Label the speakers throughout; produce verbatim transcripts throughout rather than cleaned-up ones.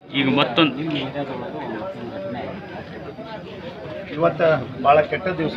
Speaker 1: ಈಗ ಮತ್ತೊಂದು
Speaker 2: ಇವತ್ತು ಭಾಳ ಕೆಟ್ಟ ದಿವಸ.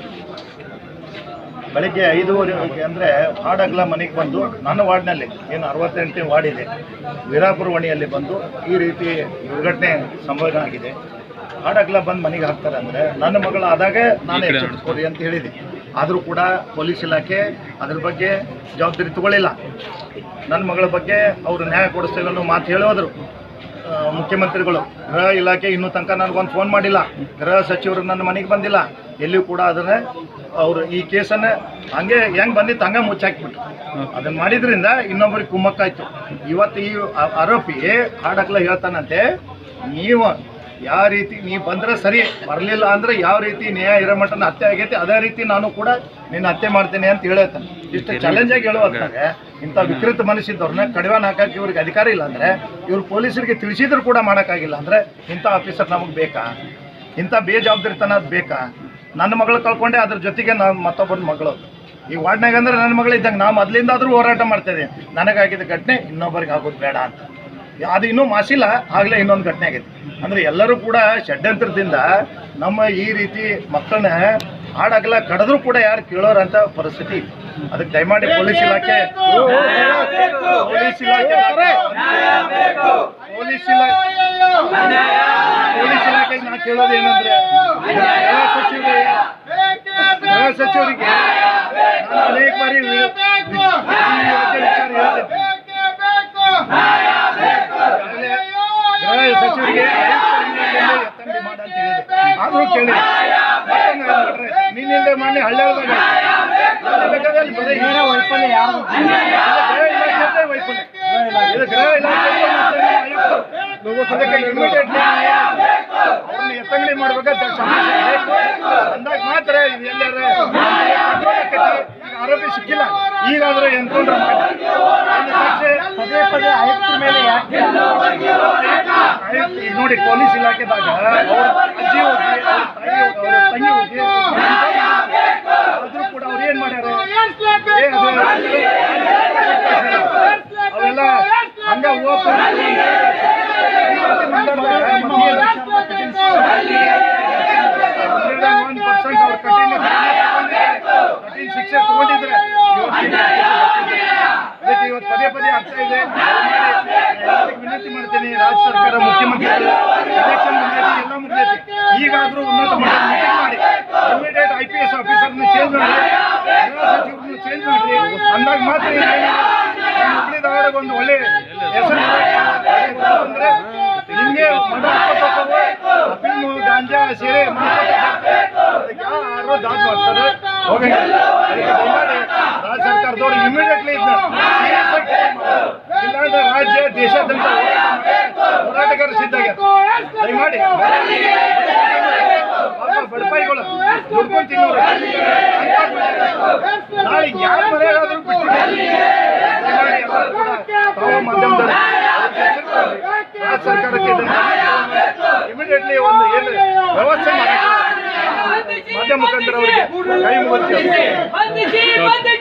Speaker 2: ಬೆಳಗ್ಗೆ ಐದೂವರೆ ಅಂದರೆ ಹಾಡಗಲ ಮನೆಗೆ ಬಂದು ನನ್ನ ವಾರ್ಡ್ನಲ್ಲಿ ಏನು ಅರವತ್ತೆಂಟನೇ ವಾರ್ಡ್ ಇದೆ ವೀರಾಪುರ ವಣಿಯಲ್ಲಿ ಬಂದು ಈ ರೀತಿ ದುರ್ಘಟನೆ ಸಂಭವ ಆಗಿದೆ. ಹಾಡಗಲ ಬಂದು ಮನೆಗೆ ಹಾಕ್ತಾರೆ ಅಂದರೆ ನನ್ನ ಮಗಳು ಆದಾಗ ನಾನು ಎಚ್ಚರಿಸ್ಕೊಡಿ ಅಂತ ಹೇಳಿದೆ. ಆದರೂ ಕೂಡ ಪೊಲೀಸ್ ಇಲಾಖೆ ಅದ್ರ ಬಗ್ಗೆ ಜವಾಬ್ದಾರಿ ತಗೊಳ್ಳಿಲ್ಲ. ನನ್ನ ಮಗಳ ಬಗ್ಗೆ ಅವರು ನ್ಯಾಯ ಕೊಡಿಸ್ತೇವೆ ಅನ್ನೋ ಮಾತು ಹೇಳೋದ್ರು ಮುಖ್ಯಮಂತ್ರಿಗಳು. ಗೃಹ ಇಲಾಖೆ ಇನ್ನೂ ತನಕ ನನಗೊಂದು ಫೋನ್ ಮಾಡಿಲ್ಲ. ಗೃಹ ಸಚಿವರು ನನ್ನ ಮನೆಗೆ ಬಂದಿಲ್ಲ. ಎಲ್ಲಿಯೂ ಕೂಡ ಅದನ್ನು ಅವರು ಈ ಕೇಸನ್ನು ಹಂಗೆ ಹೆಂಗೆ ಬಂದಿತ್ತು ಹಂಗೆ ಮುಚ್ಚಾಕಿಬಿಟ್ರು. ಅದನ್ನು ಮಾಡಿದ್ರಿಂದ ಇನ್ನೊಬ್ಬರಿಗೆ ಕುಮ್ಮಕ್ಕಾಯ್ತು. ಇವತ್ತು ಈ ಆರೋಪಿ ಹಾಡಕ್ಲ ಹೇಳ್ತಾನಂತೆ, ನೀವು ಯಾವ ರೀತಿ ನೀವು ಬಂದರೆ ಸರಿ, ಬರಲಿಲ್ಲ ಅಂದರೆ ಯಾವ ರೀತಿ ನ್ಯಾಯ ಇರೋ ಮಟ್ಟನ ಹತ್ಯೆ ಆಗೈತಿ ಅದೇ ರೀತಿ ನಾನು ಕೂಡ ನಿನ್ನ ಹತ್ಯೆ ಮಾಡ್ತೇನೆ ಅಂತ ಹೇಳ್ತಾನೆ. ಇಷ್ಟು ಚಾಲೆಂಜಾಗಿ ಹೇಳುವಂತಾರೆ. ಇಂಥ ವಿಕೃತ ಮನಸ್ಸಿದ್ದವ್ರನ್ನ ಕಡಿವಾಣ ಹಾಕಕ್ಕೆ ಇವ್ರಿಗೆ ಅಧಿಕಾರ ಇಲ್ಲ ಅಂದರೆ, ಇವ್ರು ಪೊಲೀಸರಿಗೆ ತಿಳಿಸಿದ್ರು ಕೂಡ ಮಾಡೋಕ್ಕಾಗಿಲ್ಲ ಅಂದರೆ ಇಂಥ ಆಫೀಸರ್ ನಮಗೆ ಬೇಕಾ? ಇಂಥ ಬೇಜವಾಬ್ದಾರಿತನ ಅದು ಬೇಕಾ? ನನ್ನ ಮಗಳು ಕಳ್ಕೊಂಡೆ, ಅದ್ರ ಜೊತೆಗೆ ನಾನು ಮತ್ತೊಬ್ಬನ ಮಗಳು ಈ ವಾರ್ಡ್ನಾಗ ಅಂದರೆ ನನ್ನ ಮಗಳು ಇದ್ದಂಗೆ ನಾವು ಮೊದಲಿಂದಾದರೂ ಹೋರಾಟ ಮಾಡ್ತಾಯಿದ್ದೆ. ನನಗಾಗಿದ್ದ ಘಟನೆ ಇನ್ನೊಬ್ಬರಿಗೆ ಆಗೋದು ಬೇಡ ಅಂತ. ಅದು ಇನ್ನೂ ಮಾಸಿಲ್ಲ, ಆಗಲೇ ಇನ್ನೊಂದು ಘಟನೆ ಆಗೈತೆ. ಅಂದರೆ ಎಲ್ಲರೂ ಕೂಡ ಷಡ್ಯಂತ್ರದಿಂದ ನಮ್ಮ ಈ ರೀತಿ ಮಕ್ಕಳನ್ನ ಹಾಡಾಗಲ್ಲ ಕಡಿದ್ರೂ ಕೂಡ ಯಾರು ಕೇಳೋರಂಥ ಪರಿಸ್ಥಿತಿ. ಅದಕ್ಕೆ ದಯಮಾಡಿ ಪೊಲೀಸ್ ಇಲಾಖೆ ಪೊಲೀಸ್ ಇಲಾಖೆ ಪೊಲೀಸ್ ಇಲಾಖೆ ಪೊಲೀಸ್ ಇಲಾಖೆಗೆ ನಾನು ಕೇಳೋದು ಏನಂದರೆ, ಗೃಹ ಸಚಿವರಿಗೆ ಗೃಹ ಸಚಿವರಿಗೆ ನಾನು ಅನೇಕ ಬಾರಿ ವಿಚಾರ ಹೇಳಿದೆ. ಗೃಹ ಸಚಿವರಿಗೆ ಎತ್ತಂಗಡಿ ಮಾಡ ಅಂತ ಹೇಳಿದೆ. ಆದರೂ ಕೇಳಿ ನಿನ್ನಿಂದ ಮೊನ್ನೆ ಹಳ್ಳಿಯೊಳದಾಗ ಬರೀ ಏನೋ ವೈಫಲ್ಯ ಯಾರು ಗೃಹ ಇಲಾಖೆ ವೈಫಲ್ಯ ಇದು ಗೃಹ ಇಲಾಖೆ ಅದಕ್ಕೆ ಇಮಿಡಿಯೇಟ್ಲಿ ಅವ್ರನ್ನ ಎತ್ತಂಗಡಿ ಮಾಡ್ಬೇಕಾದ್ರೆ ಬೇಕು ಅಂದಾಗ ಮಾತ್ರ ಇದು ಎಲ್ಲಾರ ಆರೋಪಿ ಸಿಕ್ಕಿಲ್ಲ. ಈಗಾದರೂ ಎನ್ಕೌಂಟರ್ ಮಾಡಿ ಪದೇ ಪದೇ ಆಯುಕ್ತರ ಮೇಲೆ ಯಾಕೆ ಈಗ ನೋಡಿ ಪೊಲೀಸ್ ಇಲಾಖೆದಾಗ ಅವ್ರ ಅಜ್ಜಿ ಹೋಗಿ ಅವ್ರ ತಾಯಿ ಅವ್ರ ತಂಗಿ ಹೋಗಿ ಆದರೂ ಕೂಡ ಅವ್ರು ಏನು ಮಾಡ್ಯಾರ ಅವೆಲ್ಲ ಹಂಗ ಓಪನ್ ಒನ್ ಪರ್ಸೆಂಟ್ ಅವ್ರ ಕಠಿಣ ಕಠಿಣ ಶಿಕ್ಷೆ ತಗೊಂಡಿದ್ರೆ ಅದಕ್ಕೆ ಇವತ್ತು ಪದೇ ಪದೇ ಆಗ್ತಾ ಇದೆ. ವಿನಂತಿ ಮಾಡ್ತೀನಿ, ರಾಜ್ಯ ಸರ್ಕಾರ ಮುಖ್ಯಮಂತ್ರಿಗಳು ಎಲೆಕ್ಷನ್ ಮುಗಿದೈತಿ, ಎಲ್ಲ ಮುಗಿದೈತಿ, ಈಗಾದರೂ ಉನ್ನತ ಮಟ್ಟದ ಮೀಟಿಂಗ್ ಮಾಡಿ ಇಮಿಡಿಯೇಟ್ ಐ ಪಿ ಎಸ್ ಆಫೀಸರ್ನ ಚೇಂಜ್ ಮಾಡಿ, ಗೃಹ ಸಚಿವರನ್ನು ಚೇಂಜ್ ಮಾಡಿ ಅಂದಾಗ ಮಾತ್ರ ಹುಬ್ಳಿ ಧಾರವಾಡಕ್ಕೆ ಒಂದು ಒಳ್ಳೆ ಹೆಸರು ಅಂದರೆ ನಿಮಗೆ ಅಫೀಮು ಗಾಂಜಾ ಸೇರೆ ಅದಕ್ಕೆ ಯಾರು ದಾದ್ ಮಾಡ್ತಾರೆ ಹೋಗಂಗಿಲ್ಲ. ಅದಕ್ಕೆ ದಯಮಾಡಿ ರಾಜ್ಯ ಸರ್ಕಾರದವರು ಇಮಿಡಿಯೇಟ್ಲಿ ಇದನ್ನ ಸೀರಿಯಸ್ ಆಗಿ ಇಲ್ಲಾಂದ್ರೆ ರಾಜ್ಯ ದೇಶಾದ್ಯಂತ ಹೋರಾಟಗಾರ ಸಿದ್ಧಾಗ್ಯ. ದಯಮಾಡಿ ಬಡಪಾಯಿಗಳು ದುಡ್ಕೊಂಡು ತಿನ್ನೋರು ನಾಳೆ ಯಾರು ಮನೆಯಾದ್ರೂ ಬಿಟ್ಟಿದ್ದಾರೆ. ದಯಮಾಡಿ ಎಲ್ಲರೂ ಕೂಡ ತಾವು ಮಾಧ್ಯಮದಲ್ಲಿ ರಾಜ್ಯ ಸರ್ಕಾರಕ್ಕೆ ಇಮಿಡಿಯೇಟ್ಲಿ ಒಂದು ಏನು ವ್ಯವಸ್ಥೆ ಮಾಡಿ ಮಾಧ್ಯಮ ಮುಖಾಂತರ ಅವರಿಗೆ ಕೈ ಮುಗಿಸ್ತೇವೆ.